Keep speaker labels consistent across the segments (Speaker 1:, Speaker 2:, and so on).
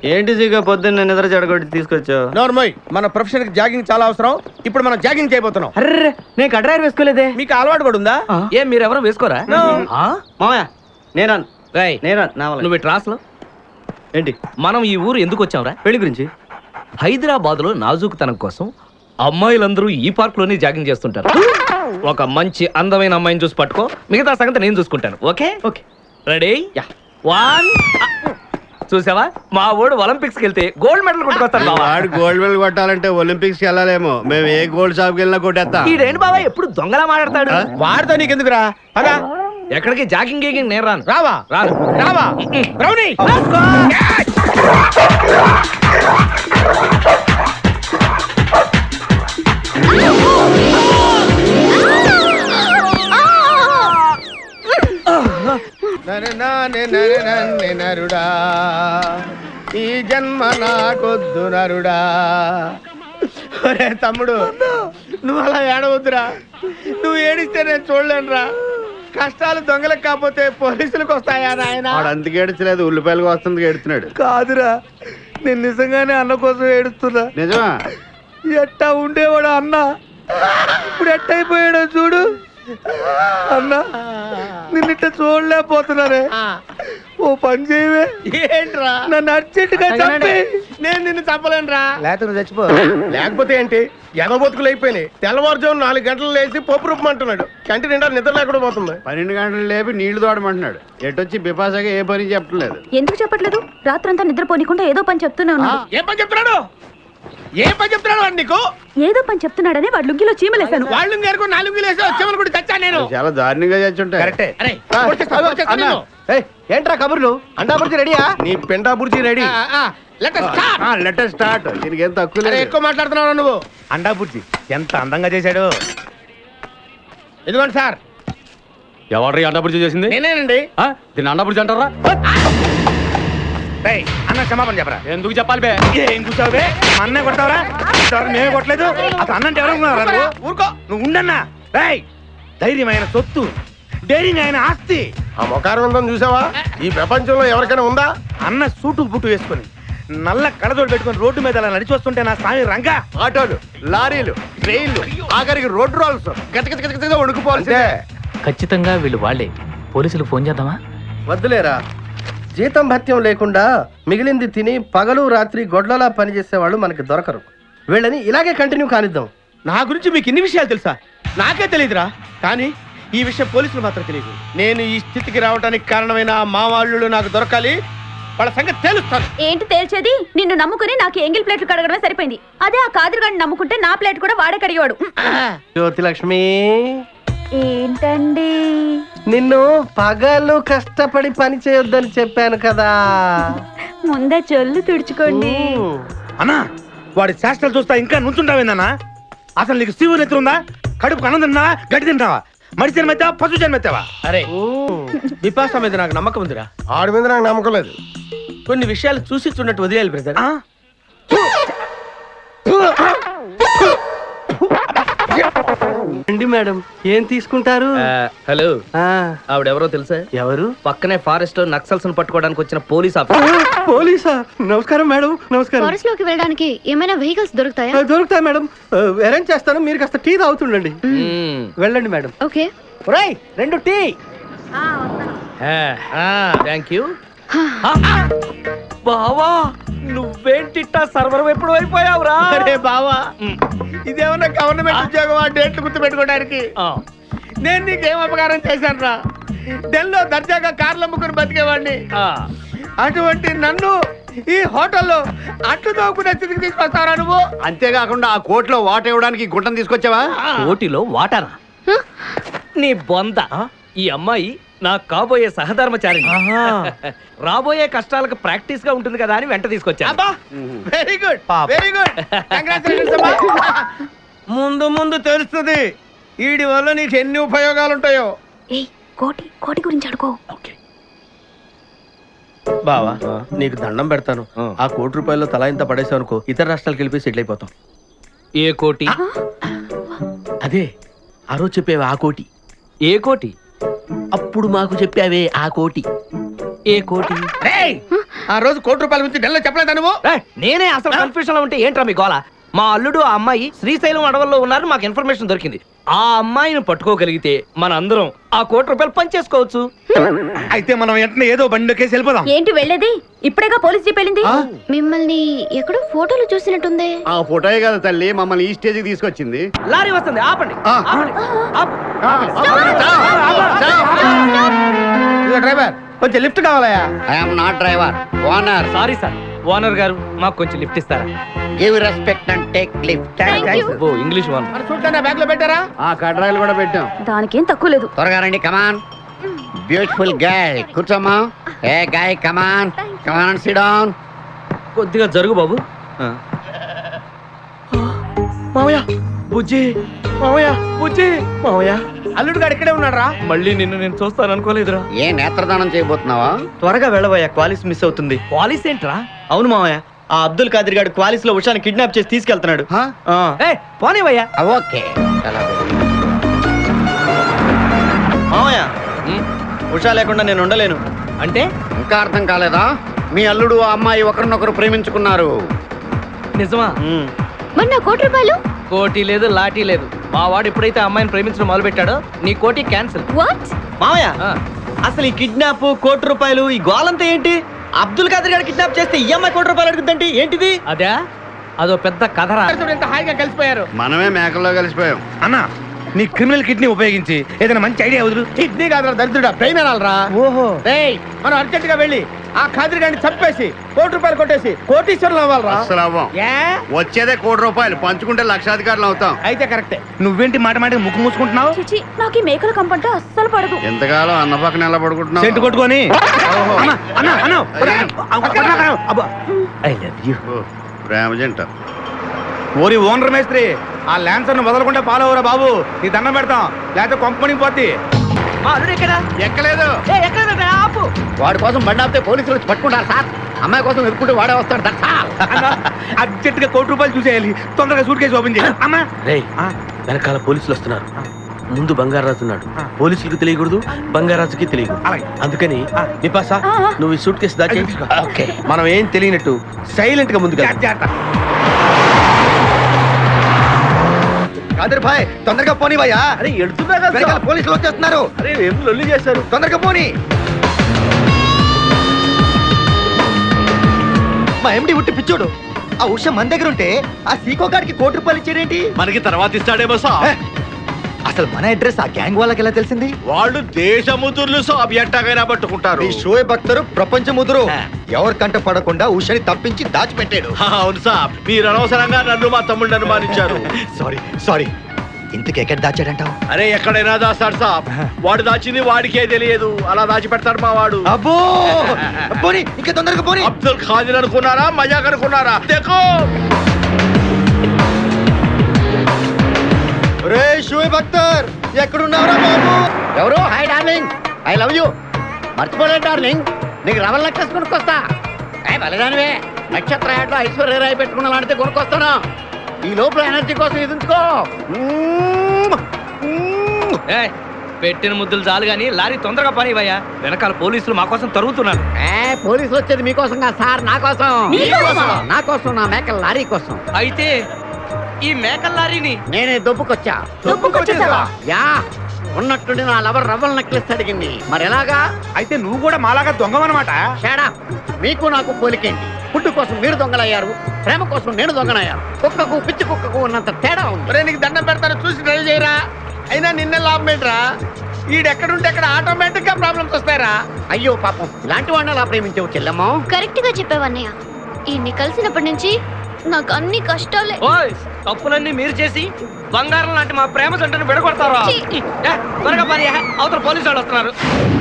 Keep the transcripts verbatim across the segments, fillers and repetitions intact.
Speaker 1: ఏంటి సీగా పొద్దున్న నిద్ర చెడగొట్టి తీసుకొచ్చావు?
Speaker 2: నోర్మోయ్, మన ప్రొఫెషన్ కి జాగింగ్ చాలా అవసరం. ఇప్పుడు మనం జాగింగ్ చేయబోతున్నాం.
Speaker 1: అర్రే నేను కడ్రాయర్ వేసుకోలేదే.
Speaker 2: మీకు అలవాటు కూడా ఉందా?
Speaker 3: ఏం మీరు ఎవరు వేసుకోరా?
Speaker 1: మామయ్య నేరాను
Speaker 3: రేయ్,
Speaker 1: నేరాను నా వల్ల.
Speaker 3: నువ్వు ట్రాస్లో
Speaker 1: ఏంటి?
Speaker 3: మనం ఈ ఊరు ఎందుకు వచ్చాంరా?
Speaker 1: పెళ్లి గురించి.
Speaker 3: హైదరాబాద్ లో నాజూకుతనం కోసం అమ్మాయిలందరూ ఈ పార్క్ లోనే జాగింగ్ చేస్తుంటారు. ఒక మంచి అందమైన అమ్మాయిని చూసి పట్టుకో, మిగతా సంగతి నేను చూసుకుంటాను. Okay
Speaker 1: okay
Speaker 3: ready?
Speaker 1: Yeah.
Speaker 3: One. చూసావా, మా ఊడు ఒలింపిక్స్ కి వెళ్తే గోల్డ్ మెడల్ కొట్టుకొస్తాడు.
Speaker 4: వాడు గోల్డ్ మెడల్ కొట్టాలంటే ఒలింపిక్స్ కి వెళ్ళాలేమో. మేము ఏ గోల్డ్ షాప్ కి వెళ్ళినా కొట్టేస్తాం.
Speaker 3: ఈడేంటి బాబా ఎప్పుడు దొంగలా మాట్లాడతాడు?
Speaker 2: వాడితో నీకెందుకురా? అదా
Speaker 3: ఎక్కడికి జాగింగ్ గీగింగ్ నేను రాను.
Speaker 2: రావా
Speaker 3: రాను
Speaker 2: రావా రౌడీ. నరుడా ఈ జన్మ నాకొద్దు నరుడా. ఒరే తమ్ముడు, నువ్వు అలా ఏడవద్దురా. నువ్వు ఏడిస్తే నేను చూడలేనురా. కష్టాలు దొంగలకు కాకపోతే పోలీసులకు వస్తాయా నాయన?
Speaker 4: వాడు అందుకు ఏడ్చలేదు, ఉల్లిపాయలకు వస్తుంది ఏడుతున్నాడు.
Speaker 2: కాదురా, నేను నిజంగానే అన్న కోసం ఏడుస్తున్నా.
Speaker 4: నిజమా?
Speaker 2: ఎట్టా ఉండేవాడు అన్న, ఇప్పుడు ఎట్టయిపోయాడో చూడు. అన్నా నిన్నిట్ట చూడలేకపోతున్నారే. ఓ పని చేయవే. ఏంట్రా? నన్ను అర్జెంటుగా చంపి. నేను నిన్ను చంపలేనురా. లేకపోతే నువ్వు చచ్చిపో. లేకపోతే ఏంటి? ఎగబొతుకులు అయిపోయినాయి. తెల్లవారుజాము నాలుగు గంటలు లేచి పప్పు రూపమంటున్నాడు. కంటి నిండా నిద్ర లేకుండా పోతుంది.
Speaker 4: పన్నెండు గంటలు లేపి నీళ్లు తోడమంటున్నాడు. ఎటొచ్చి బిపాసగా ఏ పని చెప్పట్లేదు.
Speaker 5: ఎందుకు చెప్పట్లేదు? రాత్రంతా నిద్రపోనికుండా ఏదో పని చెప్తూనే ఉన్నాడు.
Speaker 2: ఏ పని చెప్తున్నాడు? ఏ పని చెప్తున్నాడు వాడు నీకు?
Speaker 5: ఏదో పని చెప్తున్నాడని వాడు లుంగిలో చీమలేశాను.
Speaker 2: వాళ్ళు నేర్కొ నాలుగు వేసి వచ్చేమని కూడా చచ్చా నేను.
Speaker 4: చాలా దారుణంగా చచ్చుంటాయి.
Speaker 2: కరెక్టే. ఏంట్రా కబుర్లు? అండా బుర్జీ రెడీయా? నీ పెండా బుర్జీ రెడీ.
Speaker 4: లెటర్ స్టార్ట్. దీనికి ఏం తక్కువ లేదు.
Speaker 2: ఎక్కువ మాట్లాడుతున్నావు నువ్వు. అండా బుర్జీ ఎంత అందంగా చేశాడు. ఇదిగోండి సార్.
Speaker 3: ఎవరు అన్నప్పుడు చేసింది?
Speaker 2: నేనేనండి.
Speaker 3: దీన్ని అన్నప్పుడు అంటారా?
Speaker 2: అన్న క్షమాపణ చెప్పరా.
Speaker 3: ఎందుకు చెప్పాలి బే?
Speaker 2: ఏం కూర్చోవు బే? అన్నే కొడతావరా? మేమే కొట్టలేదు. అసలు అన్నంటే ఎవరు? ఊరుకో నువ్వు ఉండన్నా. రేయ్, ధైర్యమైన సొత్తు, డైరింగ్ అయిన ఆస్తి. ఆ ముఖారం ఉందని చూసావా? ఈ ప్రపంచంలో ఎవరికైనా ఉందా? అన్న సూటు బుట్టు వేసుకొని నల్ల కళ్ళజోడు పెట్టుకొని రోడ్డు మీద అలా నడిచి వస్తుంటే నా స్వామి రంగా.
Speaker 4: ఆటోలు, లారీలు, ట్రైన్లు, ఆఖరికి రోడ్ రోల్స్ గతగతగతగా వణుకుపోవాల్సిందే.
Speaker 3: ఖచ్చితంగా వీళ్ళు వాళ్ళే. పోలీసులు ఫోన్ చేద్దామా?
Speaker 6: వద్దులేరా. జీతం భత్యం లేకుండా మిగిలింది తిని పగలు రాత్రి గొడ్లలా పనిచేసేవాళ్ళు మనకి దొరకరు. వీళ్ళని ఇలాగే కంటిన్యూ కానిద్దాం.
Speaker 2: నా గురించి మీకు ఇన్ని విషయాలు తెలుసా? నాకే తెలియదురా. కానీ ఈ విషయం పోలీసులు మాత్రం తెలియదు. నేను ఈ స్థితికి రావడానికి కారణమైన మా వాళ్ళు నాకు దొరకాలి. వాళ్ళ సంగతి తెలుస్తాను.
Speaker 5: ఏంటి తేల్చేది? నిన్ను నమ్ముకుని నాకు ఎంగిల్ ప్లేట్లు కడగడమే సరిపోయింది. అదే ఆ కాదురుగాడిని నమ్ముకుంటే నా ప్లేట్ కూడా వాడే కడిగాడు.
Speaker 6: జ్యోతి లక్ష్మి,
Speaker 5: ఏంటండి?
Speaker 6: నిన్ను పగలు కష్టపడి పని చేయొద్దని చెప్పాను కదా.
Speaker 5: ముందే చొల్లు తుడుచుకోండి.
Speaker 2: అన్నా, వాడి శాస్త్రాలు చూస్తా ఇంకా నుంచుంటావేందన్నా? అసలు నీకు శివు నెత్తి ఉందా? కడుపు అన్నం తిన్నావా? గడ్డి తింటావా? మడి జన్మెత్తావా? పశు జన్మెత్తావా? అరే బిపాస మీద నాకు నమ్మకం ఉందిరా. ఆడి మీద నాకు నమ్మకం లేదు. కొన్ని విషయాలు చూసి చూడట్టు వదిలేయాలి బ్రదర్.
Speaker 6: రండి మేడం, ఏం తీసుకుంటారు?
Speaker 3: హలో, ఆవిడెవరో తెలుసా?
Speaker 6: ఎవరు?
Speaker 3: పక్కనే ఫారెస్ట్ లో నక్సల్స్ పట్టుకోవడానికి వచ్చిన పోలీస్ ఆఫీసర్.
Speaker 6: పోలీసా? నమస్కారం మేడం. నమస్కారం.
Speaker 7: ఫారెస్ట్ లోకి వెళ్ళడానికి ఏమైనా వెహికల్స్ దొరుకుతాయా?
Speaker 6: దొరుకుతాయి మేడం. అరేంజ్ చేస్తాను, మీరు కాస్త టీ తాగుతుండండి. వెళ్ళండి మేడం.
Speaker 7: ఓకే.
Speaker 2: రెండు టీ.
Speaker 3: Thank you. బావా, నువ్వేంటిట్టా సర్వర్ ఎప్పుడు అయిపోయావురా?
Speaker 2: అరే బావా, ఇదేమన్నా గవర్నమెంట్ ఉద్యోగం? ఆ డేట్లు గుర్తు పెట్టుకోవడానికి. నేను నీకేం అపకారం చేశాను రా? ఢిల్లీలో దర్జాగా కార్లు అమ్ముకుని బతికేవాడిని. అటువంటి నన్ను ఈ హోటల్లో అట్లు తోకునే స్థితికి తీసుకొస్తావరా నువ్వు?
Speaker 4: అంతేకాకుండా ఆ కోర్టులో వాట ఇవ్వడానికి గుంటను తీసుకొచ్చావా?
Speaker 3: కోటిలో వాటారా? నీ బొంద. ఈ అమ్మాయి నా కాబోయే సహధర్మచారి. రాబోయే కష్టాలకు ప్రాక్టీస్ గా ఉంటుంది కదా అని వెంట తీసుకొచ్చా.
Speaker 2: Very good, very good. ముందు ముందు తెలుస్తుంది వీడి వల్ల నీకు ఎన్ని ఉపయోగాలు ఉంటాయో.
Speaker 5: ఏయ్, కోటి కోటి గురించి అడుకో.
Speaker 6: బావా, నీకు దండం పెడతాను. ఆ కోటి రూపాయల్లో తలా ఇంత పడేసావు అనుకో, ఇతర రాష్ట్రాలకు వెళ్ళిపోయి సెటిల్ అయిపోతాం.
Speaker 3: ఏ కోటి?
Speaker 6: అదే ఆ రోజు చెప్పేవా ఆ కోటి.
Speaker 3: ఏ కోటి?
Speaker 6: అప్పుడు మాకు చెప్పావే ఆ కోటి.
Speaker 3: ఏ కోటి?
Speaker 2: ఆ రోజు కోటి రూపాయల గురించి ఢిల్లీ చెప్పలేదా నువ్వు?
Speaker 3: ఏయ్, నేనే అసలు కన్ఫ్యూజన్ లో ఉంటే ఏంట్రా మీ గోల? మా అల్లుడు ఆ అమ్మాయి శ్రీశైలం అడవుల్లో ఉన్నారు, మాకు ఇన్ఫర్మేషన్ దొరికింది. ఆ అమ్మాయిని పట్టుకోగలిగితే మన అందరం ఆ కోటి రూపాయలు పంచేసుకోవచ్చు.
Speaker 2: అయితే మనం వెంటనే ఏదో బండి కేసి వెళ్ళిపోదాం.
Speaker 5: ఏంటి వెళ్ళేది? ఇప్పుడేగా పోలీస్ జీప్ వెళ్ళింది.
Speaker 7: మిమ్మల్ని ఎక్కడో ఫోటోలు చూసినట్టుంది.
Speaker 4: ఆ ఫోటోయే కదా తల్లి మమ్మల్ని ఈ స్టేజ్కి తీసుకొచ్చింది.
Speaker 3: లారీ వస్తుంది, ఆపండి.
Speaker 4: ఆ.
Speaker 3: ఆపండి. ఆపు.
Speaker 6: ఇదిగో డ్రైవర్, కొంచెం లిఫ్ట్ కావాలయా?
Speaker 4: I'm not driver, owner.
Speaker 3: Sorry sir, owner గారు మాకు కొంచెం లిఫ్ట్ ఇస్తారా?
Speaker 4: Give respect and take lift.
Speaker 3: ఓ ఇంగ్లీష్ ఓనర్.
Speaker 2: మరి చూడటానికి బ్యాగ్ లో పెట్టారా?
Speaker 4: ఆ కడ్రాయిలు కూడా పెట్టాం.
Speaker 5: దానికేం తక్కువ లేదు.
Speaker 4: త్వరగా రండి, కమాన్. బ్యూటిఫుల్ గాయ్, కూర్చోమ్మా. ఏ guy, come on come on, sit down.
Speaker 3: కొద్దిగా జరుగు బాబు.
Speaker 6: మామయ్య, బుజ్జి, మామయ్య, బుజ్జి, మామయ్య.
Speaker 2: అల్లుడు గారు ఇక్కడే ఉన్నాడు రా.
Speaker 3: మళ్ళీ నిన్ను నేను చూస్తాను అనుకోలేదురా.
Speaker 4: ఏ నేత్రదానం చేయబోతున్నావా?
Speaker 1: త్వరగా వెళ్ళబోయా, క్వాలిస్ మిస్ అవుతుంది.
Speaker 3: పాలిస్ ఏంట్రా?
Speaker 1: అవును మామయ్య, ఆ అబ్దుల్ ఖాదర్ గారు క్వాలిస్ లో ఉషాని కిడ్నాప్ చేసి తీసుకెళ్తున్నాడు.
Speaker 4: హా?
Speaker 1: ఆ.
Speaker 3: ఏ పోనీవయ్యా.
Speaker 4: ఆ, ఓకే. చాలా బాగుంది.
Speaker 1: మామయ్య,
Speaker 3: ఉమ్,
Speaker 1: ఉషా లేకుండా నేను ఉండలేను.
Speaker 3: అంటే
Speaker 4: ఇంకా అర్థం కాలేదా? మీ అల్లుడు ఆ అమ్మాయి ఒకరినొకరు ప్రేమించుకున్నారు.
Speaker 3: నిజమా?
Speaker 1: ఉమ్.
Speaker 7: మరి నా కోటి రూపాయలు?
Speaker 3: కోటి లేదు, లాటీ లేదు. మా వాడు ఎప్పుడైతే ఆ అమ్మాయిని ప్రేమించడం మొదలు పెట్టాడో నీ కోటి క్యాన్సిల్.
Speaker 7: వాట్?
Speaker 1: మామయ్య, అసలు ఈ కిడ్నాప్, కోటి రూపాయలు, ఈ గోలంతా ఏంటి? అబ్దుల్ ఖాదర్ గారు కిడ్నాప్ చేస్తే ఈ అమ్మాయి కోటి రూపాయలు అడుగుతుందంటే ఏంటిది?
Speaker 3: అదే అదో పెద్ద కథరా.
Speaker 2: చూడు ఎంత హాయిగా కలిసిపోయారు.
Speaker 4: మనమే మేకల్లో కలిసిపోయాం.
Speaker 2: అన్న, నీ క్రిమినల్ కిడ్నీ ఉపయోగించి ఏదైనా మంచి ఐడియా వదులు. కిడ్నీ కాదురా దరిద్రుడా, బ్రెయిన్ అనాలరా.
Speaker 1: ఓహో.
Speaker 2: రేయ్, మనం అర్జెంట్ గా వెళ్ళి ఆ ఖాదర్ గారిని చంపేసి కోటి రూపాయలు కొట్టేసి కోటీశ్వరులు అవ్వాలరా.
Speaker 4: అసలు అవ్వం.
Speaker 2: ఏ?
Speaker 4: వచ్చేదే కోటి రూపాయలు, పంచుకుంటే లక్షాధికారులు అవుతాం.
Speaker 2: అయితే కరెక్టే. నువ్వేంటి మాట మాట ముక్కు మూసుకుంటున్నావు?
Speaker 5: చిచి, నాకు ఈ మేకల కంపంటే అస్సలు పడదు.
Speaker 4: ఎంతకాలం అన్న పక్కన ఎలా పడుకుంటున్నావు?
Speaker 2: సెంటు కొట్టుకొని. అన్న, అన్న, అన్న, అబ్బా.
Speaker 3: I love you.
Speaker 4: ఓ, ప్రేమ జంట.
Speaker 2: ఓరి ఓనర్ మేస్త్రి, ఆ ల్యాన్సర్ ను వదలకుండా ఫాలో అవరా బాబు. నీ దండం పెడతాం, లేకపోతే కొంపని పోద్ది.
Speaker 3: మా అల్లుడు ఎక్కడా?
Speaker 4: ఎక్కలేదు.
Speaker 3: ఏ ఎక్కలేదంటే ఆపు.
Speaker 4: వాడి కోసం బండి ఆపితే పోలీసులు వచ్చి పట్టుకుంటారు సార్. అమ్మాయి కోసం ఎదుర్కొంటే వాడే వస్తాడు. That's all.
Speaker 2: అన్న, అర్జెంట్ గా కోటి రూపాయలు చూసేయాలి. తొందరగా సూట్ కేసు ఓపెన్ చేయి. అమ్మా.
Speaker 6: రేయ్,
Speaker 2: ఆ,
Speaker 6: వెనకాల పోలీసులు వస్తున్నారు. ముందు బంగారాజు ఉన్నాడు.
Speaker 2: ఆ.
Speaker 6: పోలీసులకు తెలియకూడదు, బంగారాజుకి తెలియదు.
Speaker 2: అలాగే.
Speaker 6: అందుకని
Speaker 2: ఆ.
Speaker 6: నిపాసా,
Speaker 5: ఆ, ఆ.
Speaker 6: నువ్వు ఈ సూట్ కేసు దాచి
Speaker 2: తీసుకో.
Speaker 6: ఓకే. మనం ఏం తెలియనట్టు సైలెంట్ గా ముందుకు
Speaker 2: జాగ్రత్త, జాగ్రత్త.
Speaker 1: ఖాదర్ భాయ్, తొందరగా పోనీ భయ్యా.
Speaker 6: అరే ఎడుతున్నా కదా,
Speaker 1: వెనకాల పోలీసులు వచ్చేస్తున్నారు.
Speaker 6: అరే ఏం లొల్లి చేశారు.
Speaker 1: తొందరగా పోనీ. మా ఎండి ఉట్టి పిచ్చోడు. ఆ ఉష మన దగ్గర ఉంటే ఆ సీకో గారికి కోటి రూపాయలు ఇచ్చారేంటి?
Speaker 4: మనకి తర్వాత ఇస్తాడేమో
Speaker 1: ఏ, అసలు మన అడ్రస్ ఆ గ్యాంగ్ వాళ్ళకి ఎలా తెలిసింది?
Speaker 4: వాళ్ళు దేశముతుర్లు సాబ్ ఎట్టాగైనా పట్టుకుంటారు.
Speaker 1: ఈ షోయ్ భక్తరు ప్రపంచ ముదురు ఎవరికంట పడకుండా ఉషని తప్పించి దాచిపెట్టాడు.
Speaker 4: అవును సాబ్, మీరు అనవసరంగా నన్ను మా తమ్ముడిని అనుమానించారు.
Speaker 1: Sorry sorry. ఇంతకు ఎక్కడ దాచాడంటావు?
Speaker 4: అరే ఎక్కడైనా దాస్తాడు సాబ్. వాడు దాచింది వాడికే తెలియదు, అలా దాచి పెడతాడు మా వాడు.
Speaker 1: అబ్బో, పోనీ ఇంకా తొందరగా పోనీ.
Speaker 4: అబ్దుల్ ఖాదర్ అనుకున్నారా, మజాక్ అనుకున్నారా? देखो
Speaker 1: రే షోయ్ భక్తర్, ఎక్కడున్నావురా బాబు?
Speaker 4: ఎవరు? Hi darling, I love you. మర్చిపోలేదు డార్లింగ్, నీకు రవల్ నెక్లెస్ కొనుక్కొస్తా. ఏ బలిదానివే, నక్షత్ర యాడ్లో ఐశ్వర్య రాయ్ పెట్టుకున్న లాంటిది కొనుక్కొస్తాను. ఈ లోపల ఎనర్జీ కోసం ఎదుంచుకో.
Speaker 3: ఏయ్, పెట్టిన ముద్దులు చాలు గాని లారీ తొందరగా పనివయ్యా. వెనకాల పోలీసులు మా కోసం తరుగుతున్నారు.
Speaker 4: ఏ పోలీసులు వచ్చేది మీకోసం కాదు సార్, నా కోసం.
Speaker 5: మీకోసమా?
Speaker 4: నా కోసం, నా మేకల లారీ కోసం.
Speaker 3: అయితే ఈ మేకల లారీని
Speaker 4: నేనే దొబ్బుకొచ్చా.
Speaker 5: దొబ్బుకొచ్చేసావా?
Speaker 4: యా, ఉన్నట్టుండి నా లవర్ రవ్వల్ నెక్లెస్ అడిగింది. మరి ఎలాగా?
Speaker 2: అయితే నువ్వు కూడా మాలాగా దొంగమన్నమాట.
Speaker 4: షేడా, మీకు నాకు పోలికేంటి? ఫుడ్ కోసం మీరు దొంగలయ్యారు, ప్రేమ కోసం నేను దొంగనయ్యాను. కుక్కకు పిచ్చి కుక్కకు ఉన్నంత తేడా ఉంది.
Speaker 2: ఒరే, నీకు దండం పెడతాను, చూసి డ్రైవ్ చేయరా. అయినా నిన్నే లాభం ఏంట్రా? ఈడెక్కడుంటే అక్కడ ఆటోమేటిక్ గా ప్రాబ్లమ్స్ వస్తాయరా.
Speaker 4: అయ్యో పాపం, ఇలాంటి వాడిని అలా ప్రేమించవు చెల్లెమ్మో.
Speaker 7: కరెక్ట్ గా చెప్పావన్నయ్య. ఈయన్ని కలిసినప్పటి నుంచి నాకు అన్ని కష్టాలే.
Speaker 3: ఓయ్, తప్పులన్నీ మీరు చేసి బంగారం లాంటి మా ప్రేమ జంటను విడగొడతారా?
Speaker 7: ఛీ.
Speaker 3: ఏ, త్వరగా పని, అవతల పోలీసు వాళ్ళు వస్తున్నారు.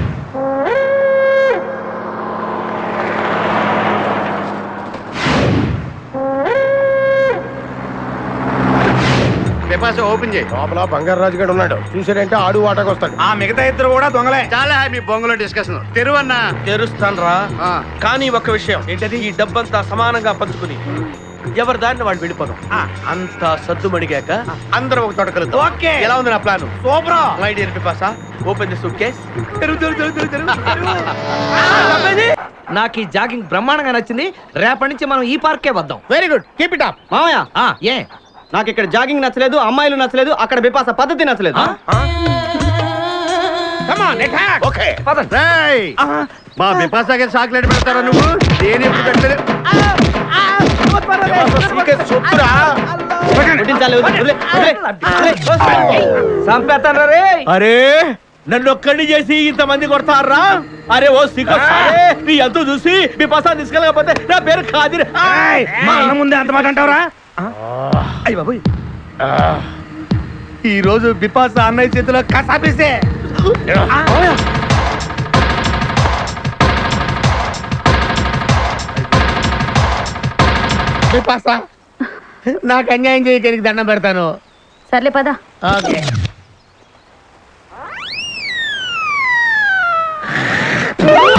Speaker 4: పేపర్స్ ఓపెన్ చేయి.
Speaker 6: లోపల బంగారాజు గారు ఉన్నాడు. చూసాడంటే ఆడు వాటకు వస్తాడు.
Speaker 2: ఆ మిగతా ఇద్దరు కూడా దొంగలే.
Speaker 4: చాలా మీ బొంగులో డిస్కషన్. తెరువన్నా.
Speaker 6: తెరుస్తాను రా.
Speaker 4: ఆ.
Speaker 6: కానీ ఒక విషయం
Speaker 2: ఏంటది?
Speaker 6: ఈ డబ్బంతా సమానంగా పంచుకుని
Speaker 2: ఎవరి దారిని వాళ్ళు వెళ్ళిపోదాం అంత సద్దు మడిగాక అందరం ఒక తోట కలుద్దాం ఓకే ఎలా ఉంది నా plan super my dear Pipasa open the suitcase
Speaker 3: నాకు ఈ జాగింగ్ బ్రహ్మాండంగా నచ్చింది. రేపటి నుంచి మనం ఈ పార్కే వద్దాం.
Speaker 2: Very good keep it up
Speaker 1: మామయ్య
Speaker 3: ఆ, ఏ
Speaker 1: నాకు ఇక్కడ జాగింగ్ నచ్చలేదు, అమ్మాయిలు నచ్చలేదు, అక్కడ బిపాస పద్ధతి నచ్చలేదు.
Speaker 2: కమ్ ఆన్ అటాక్ ఓకే
Speaker 3: పదండి.
Speaker 4: రేయ్, మా బిపాసాకి చాక్లెట్ పెడతారా నువ్వు? నేను ఎప్పుడు పెట్టలేదు.
Speaker 2: సొత్తురా
Speaker 1: వడ్డించాలి, వదిలే, వదిలే, వదిలే, వదిలే.
Speaker 3: చంపేస్తాను రే.
Speaker 2: అరే నన్ను ఒక్కడిని చేసి ఇంతమంది కొడతారా? అరే ఓ సిగ్గు నీ ఎంతో చూసి మీ పసా తీసుకెళ్ళకపోతే నా పేరు ఖాదిర్.
Speaker 3: మా అన్న ముందే అంత మాట అంటావురా?
Speaker 2: అయ్య బాబోయ్, ఈ రోజు బిపాస అన్నయ్య చేతిలో కసాపిస్తే బిపాస నాకు అన్యాయం చేయడానికి దండం పెడతాను.
Speaker 5: సర్లే పదా.
Speaker 2: ఓకే